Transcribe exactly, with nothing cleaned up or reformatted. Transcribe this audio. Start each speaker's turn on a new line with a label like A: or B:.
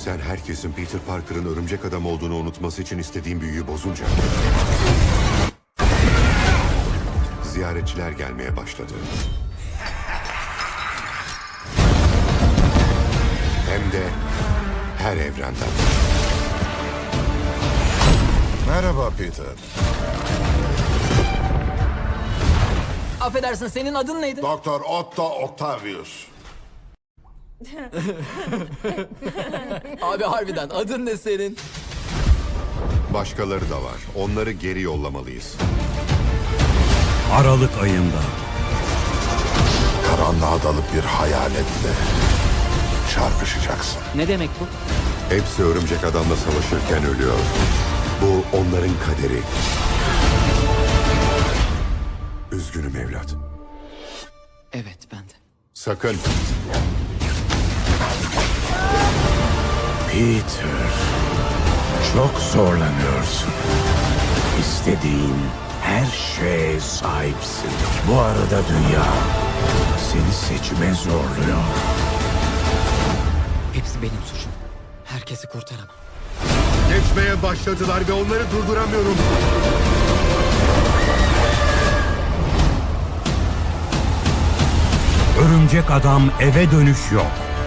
A: Sen herkesin Peter Parker'ın örümcek adam olduğunu unutması için istediğin büyüyü bozunca... ziyaretçiler gelmeye başladı. Hem de her evrenden.
B: Merhaba Peter.
C: Affedersin, senin adın neydi?
B: Doktor Otto Octavius.
C: Abi harbiden adın ne senin?
A: Başkaları da var. Onları geri yollamalıyız.
D: Aralık ayında.
B: Karanlığa dalıp bir hayaletle çarpışacaksın.
C: Ne demek bu?
A: Hepsi örümcek adamla savaşırken ölüyor. Bu onların kaderi. Üzgünüm evlat.
C: Evet, ben de.
A: Sakın.
E: Peter, çok zorlanıyorsun. İstediğin her şeye sahipsin. Bu arada dünya seni seçime zorluyor.
C: Hepsi benim suçum. Herkesi kurtaramam.
A: Geçmeye başladılar ve onları durduramıyorum.
D: Örümcek Adam eve dönüş yok.